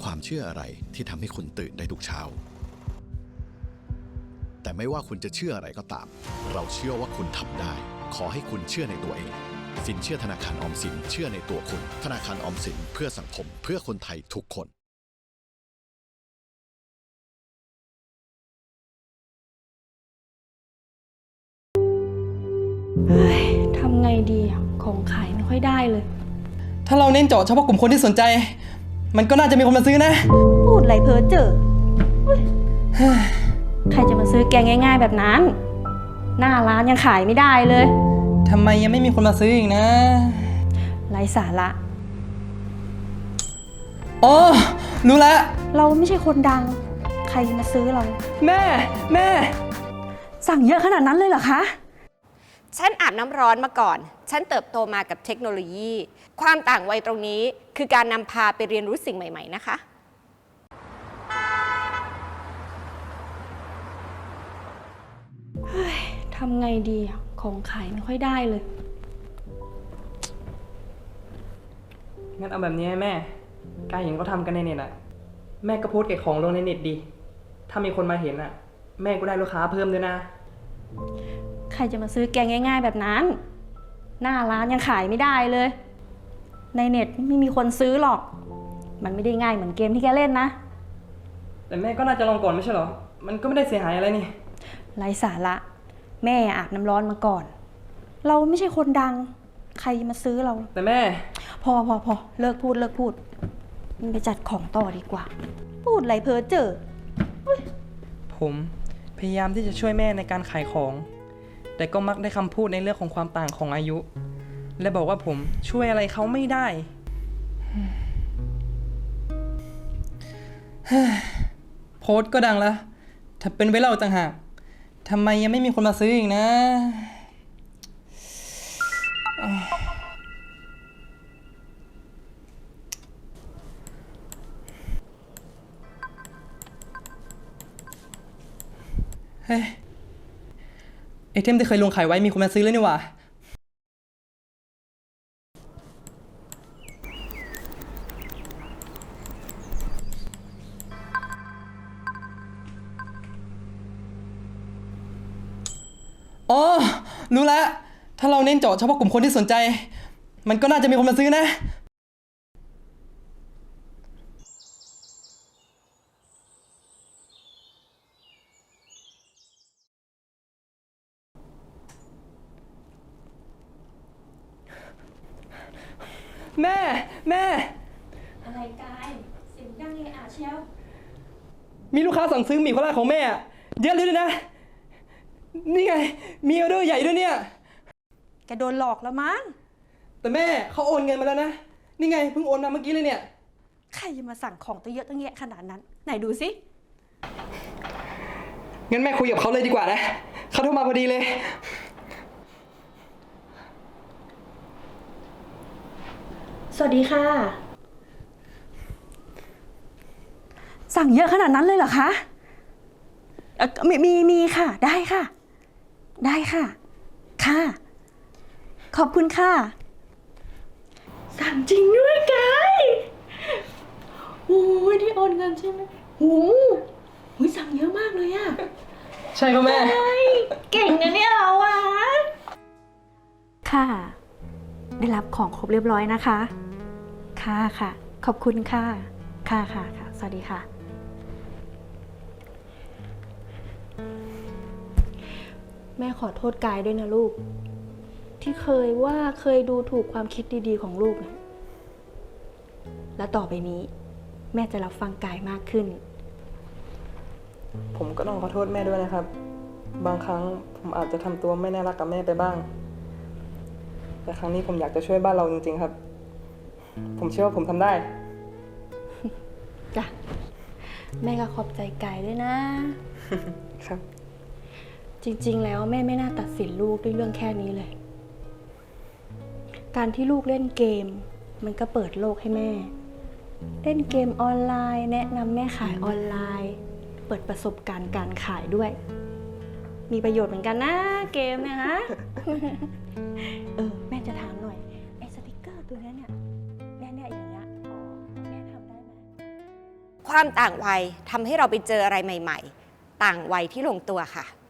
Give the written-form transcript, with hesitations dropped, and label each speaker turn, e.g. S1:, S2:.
S1: ความเชื่ออะไรที่ทำให้คุณตื่นได้ทุกเช้าแต่ไม่ว่าคุณจะเชื่ออะไรก็ตามเราเชื่อว่าคุณทำได้ขอให้คุณเชื่อในตัวเองสินเชื่อธนาคารออมสินเชื่อในตัวคุณธนาคารออมสินเพื่อสังคมเพื่อคนไทยทุกคน
S2: ทำไงดีของขายไม่ค่อยได้เลย
S3: ถ้าเราเน้นเจาะเฉพาะกลุ่มคนที่สนใจ มันก็น่าจะมีคนมาซื้อนะ
S2: พูดไรเพ้อเจ้อใครจะมาซื้อแกงง่ายๆแบบนั้น หน้าร้านยังขายไม่ได้เลย
S3: ทำไมยังไม่มีคนมาซื้ออีกนะ
S2: ไร้สาระ
S3: อ๋อรู้แล้ว
S2: เราไม่ใช่คนดังใครจะมาซื้อเรา
S3: แม่
S2: สั่งเยอะขนาดนั้นเลยเหรอคะ
S4: ฉันอาบน้ำร้อนมาก่อน ฉันเติบโตมากับเทคโนโลยี ความต่างวัยตรงนี้คือการนำพาไปเรียนรู้สิ่งใหม่ๆนะคะ
S2: ทำไงดีของขายไม่ค่อยได้เลย
S3: งั้นเอาแบบนี้ให้แม่กายเห็นเขาทำกันในเน็ตอะแม่ก็โพสต์เก็บของลงในเน็ตดีถ้ามีคนมาเห็นอะแม่ก็ได้ลูกค้าเพิ่มด้วยนะ
S2: ใครจะมาซื้อแกงง่ายๆแบบนั้น หน้าร้านยังขายไม่ได้เลย ในเน็ตไม่มีคนซื้อหรอก มันไม่ได้ง่ายเหมือนเกมที่แกเล่นนะ
S3: แต่แม่ก็น่าจะลองก่อนไม่ใช่เหรอมันก็ไม่ได้เสียหายอะไรนี่
S2: ไร้สาระแม่อาบน้ำร้อนมาก่อนเราไม่ใช่คนดังใครมาซื้อเรา
S3: แต่แม่
S2: พอเลิกพูดมันไปจัดของต่อดีกว่าพูดไรเพ้อเจ้อ
S3: ผมพยายามที่จะช่วยแม่ในการขายของแต่ก็มักได้คำพูดในเรื่องของความต่างของอายุและบอกว่าผมช่วยอะไรเขาไม่ได้โพสต์ก็ดังแล้วถ้าเป็นไว้เราต่างหากทำไมยังไม่มีคนมาซื้ออีกนะเฮ้ยไอเทมที่เคยลงขายไว้มีคนมาซื้อแล้วนี่หว่าอ๋อรู้แล้วถ้าเราเน้นเจาะเฉพาะกลุ่มคนที่สนใจมันก็น่าจะมีคนมาซื้อนะแม่
S2: อะไรกายเสียงดังเลยเชียว
S3: มีลูกค้าสั่งซื้อหมี่โคราชของแม่เยอะเลยด้วยนะนี่ไงมีออเดอร์ใหญ่ด้วยเนี่ย
S2: แกโดนหลอกแล้วมั้ง
S3: แต่แม่เขาโอนเงินมาแล้วนะนี่ไงเพิ่งโอนมาเมื่อกี้เลยเนี่ย
S2: ใครจะมาสั่งของตั้งเยอะตั้งแยะขนาดนั้นไหนดูสิ
S3: งั้นแม่คุยกับเขาเลยดีกว่านะเขาโทรมาพอดีเลย
S2: สวัสดีค่ะสั่งเยอะขนาดนั้นเลยเหรอคะมีค่ะได้ค่ะขอบคุณค่ะสั่งจริงด้วยกายโอ้ยที่โอนเงินใช่ไหมโอ้ยสั่งเยอะมากเลยอะ
S3: ใช่ครับแม่
S2: เก่งนะเนี่ยเราอะค่ะได้รับของครบเรียบร้อยนะคะค่ะขอบคุณค่ะสวัสดีค่ะแม่ขอโทษกายด้วยนะลูกที่เคยดูถูกความคิดดีๆของลูกนะและต่อไปนี้แม่จะรับฟังกายมากขึ้น
S3: ผมก็ต้องขอโทษแม่ด้วยนะครับบางครั้งผมอาจจะทำตัวไม่น่ารักกับแม่ไปบ้างแต่ครั้งนี้ผมอยากจะช่วยบ้านเราจริงๆครับผมเชื่อว่าผมทำได้
S2: จ้ะแม่ก็ขอบใจกายด้วยนะครับจริงๆแล้วแม่ไม่น่าตัดสินลูกด้วยเรื่องแค่นี้เลยการที่ลูกเล่นเกมมันก็เปิดโลกให้แม่เล่นเกมออนไลน์แนะนำแม่ขายออนไลน์เปิดประสบการณ์การขายด้วยมีประโยชน์เหมือนกันนะเกมเนี่ยฮะ แม่จะถามหน่อยไอ้สติกเกอร์ตัวนี้เนี่ยอย่างเงี้ยแม่ทำได้ไหม
S4: ความต่างวัยทำให้เราไปเจออะไรใหม่ ๆ ต่างวัยที่ลงตัวค่ะ